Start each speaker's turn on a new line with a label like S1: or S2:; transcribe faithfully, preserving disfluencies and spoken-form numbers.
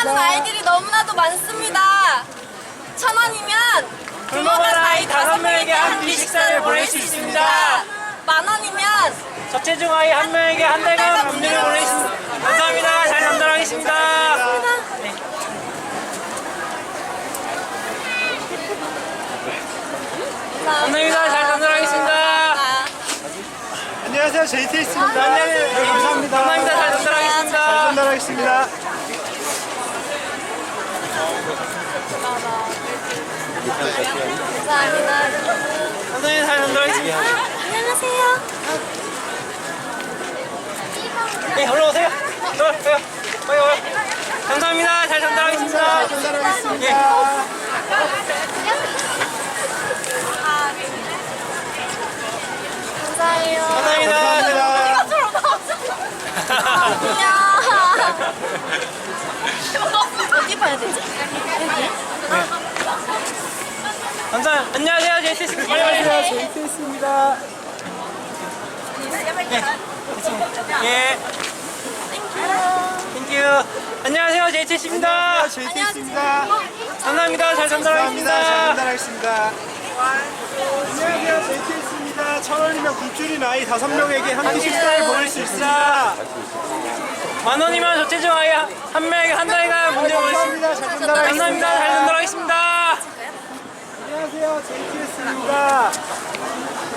S1: 원하는 아이들이 너무나도 많습니다. 천 원이면
S2: 굶어간 아이 다섯 명에게 한 끼 식사를 보낼 수 있습니다.
S1: 만 원이면
S2: 저체중 아이 한 명에게 한 달간 굶주려 보낼 수 있습니다. 감사합니다. 잘 전달하겠습니다. 네. 감사합니다. 잘 전달하겠습니다.
S3: 안녕하세요, 제이티에스입니다.
S2: 네,
S3: 감사합니다.
S2: 감사합니다. 잘 전달하겠습니다.
S3: 잘 전달하겠습니다.
S1: 감사합니다.
S2: 감사합니다. 잘 전달하겠습니다.
S1: 안녕하세요.
S2: 네, 올라오세요. 올라오세요. 빨리 와요. 감사합니다. 잘 전달하겠습니다.
S3: 잘 전달하겠습니다.
S2: 예.
S1: 감사해요.
S2: 감사합니다.
S1: 안녕. 어디 봐야 되지?
S2: 감사합니다. 안녕하세요. 제이티에스입니다.
S3: 안녕하세요, 제이티에스입니다.
S2: 예. 땡큐. 안녕하세요. 제이티에스입니다.
S3: 제이티에스입니다.
S2: 감사합니다. 잘
S3: 감사합니다. 잘
S2: 전달하겠습니다.
S3: 전달하겠습니다. 안녕하세요, 제이티에스입니다. 천 원이면 굶주린 아이 다섯 명에게 한 끼 식사를 보낼 수 있습니다.
S2: 만 원이면 저체중 아이 한 명에게 한 달간 문제 보낼 수 있습니다.
S3: 감사합니다. 잘 전달하겠습니다.
S2: 감사합니다. 잘 전달하겠습니다.
S3: 안녕하세요, 제이티에스입니다.